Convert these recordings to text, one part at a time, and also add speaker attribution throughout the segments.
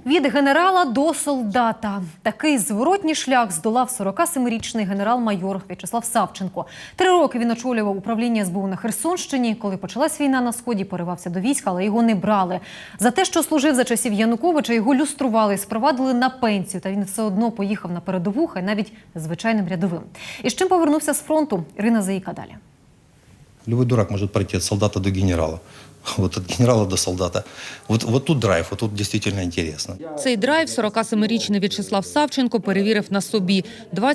Speaker 1: Від генерала до солдата. Такий зворотній шлях здолав 47-річний генерал-майор В'ячеслав Савченко. 3 роки він очолював управління СБУ на Херсонщині. Коли почалась війна на Сході, поривався до війська, але його не брали. За те, що служив за часів Януковича, його люстрували і спровадили на пенсію. Та він все одно поїхав на передову, хай навіть звичайним рядовим. І з чим повернувся з фронту? Ірина Заїка далі.
Speaker 2: Любой дурак может пройти от солдата до генерала. Вот от генерала до солдата. Вот тут драйв, вот тут действительно интересно.
Speaker 3: Цей драйв 47-річний В'ячеслав Савченко перевірив на собі.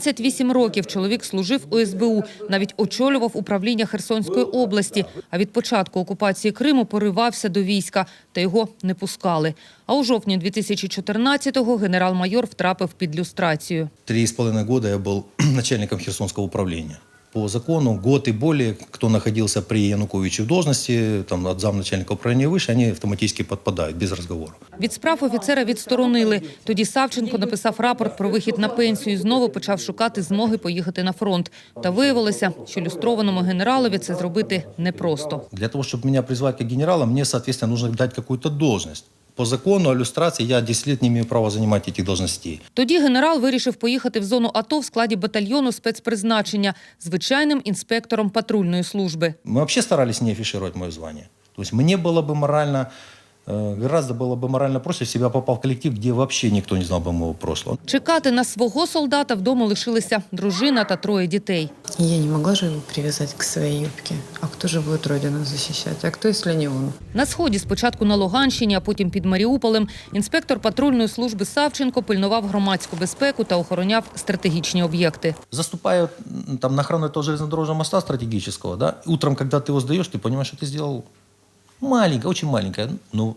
Speaker 3: 28 років чоловік служив у СБУ, навіть очолював управління Херсонської області. А від початку окупації Криму поривався до війська, та його не пускали. А у жовтні 2014-го генерал-майор втрапив під люстрацію.
Speaker 2: 3,5 года я был начальником Херсонского управления. По закону год и более, кто находился при Януковиче в должности, там, от замначальника управления выше, они автоматически подпадают, без разговора.
Speaker 3: Від справ офіцера відсторонили. Тоді Савченко написав рапорт про вихід на пенсію і знову почав шукати змоги поїхати на фронт. Та виявилося, що люстрованому генералові це зробити непросто.
Speaker 2: Для того, чтобы меня призвать как генерала, мне, соответственно, нужно дать какую-то должность. По закону о люстрации я 10 лет не имею права занимать этих должностей.
Speaker 3: Тоді генерал вирішив поїхати в зону АТО в складі батальйону спецпризначення звичайним інспектором патрульної служби.
Speaker 2: Мы вообще старались не афишировать мое звание. То есть мне было бы морально, гораздо было бы морально проще, если бы я попал в коллектив, где вообще никто не знал бы моего прошлого.
Speaker 3: Чекати на свого солдата вдома лишилися дружина та 3 дітей.
Speaker 4: Я не могла же его привязать к своей юбке. А кто же будет родину защищать? А кто, если не он?
Speaker 3: На Сході, спочатку на Луганщині, а потім під Маріуполем, інспектор патрульної служби Савченко пильнував громадську безпеку та охороняв стратегічні об'єкти.
Speaker 2: Заступая там, на охрану этого железнодорожного моста стратегического, да, утром, когда ты его сдаешь, ты понимаешь, что ты сделал маленькое, очень маленькое, но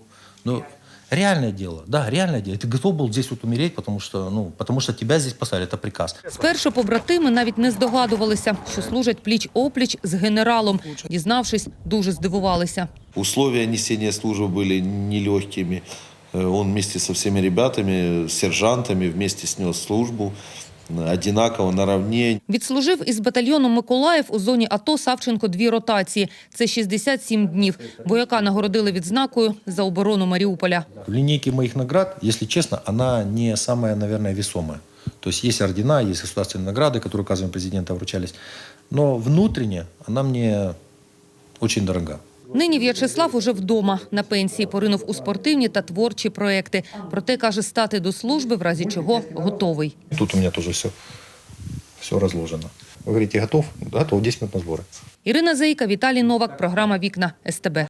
Speaker 2: реальное дело. Да, реальное дело. Ты готов был здесь вот умереть, потому что тебя здесь поставили, это приказ.
Speaker 3: Спершу побратими навіть не здогадувалися, що служать пліч-опліч з генералом. Дізнавшись, дуже здивувалися.
Speaker 5: Условия несения службы были нелегкими. Он вместе со всеми ребятами, сержантами, вместе снес службу. Одинаково, наравне.
Speaker 3: Відслужив із батальйоном «Миколаїв» у зоні АТО Савченко 2 ротації. Це 67 днів. Вояка нагородили відзнакою за оборону Маріуполя.
Speaker 2: В линейке моих наград, если честно, она не самая, наверное, весомая. То есть есть ордена, есть государственные награды, которые указом президента вручались. Но внутренне она мне очень дорога.
Speaker 3: Нині В'ячеслав уже вдома. На пенсії поринув у спортивні та творчі проекти. Проте, каже, стати до служби, в разі чого, готовий.
Speaker 2: Тут у меня тоже все разложено. Вы говорите, готов? Готов, 10 минут на сборы.
Speaker 3: Ірина Заїка, Віталій Новак, програма «Вікна» СТБ.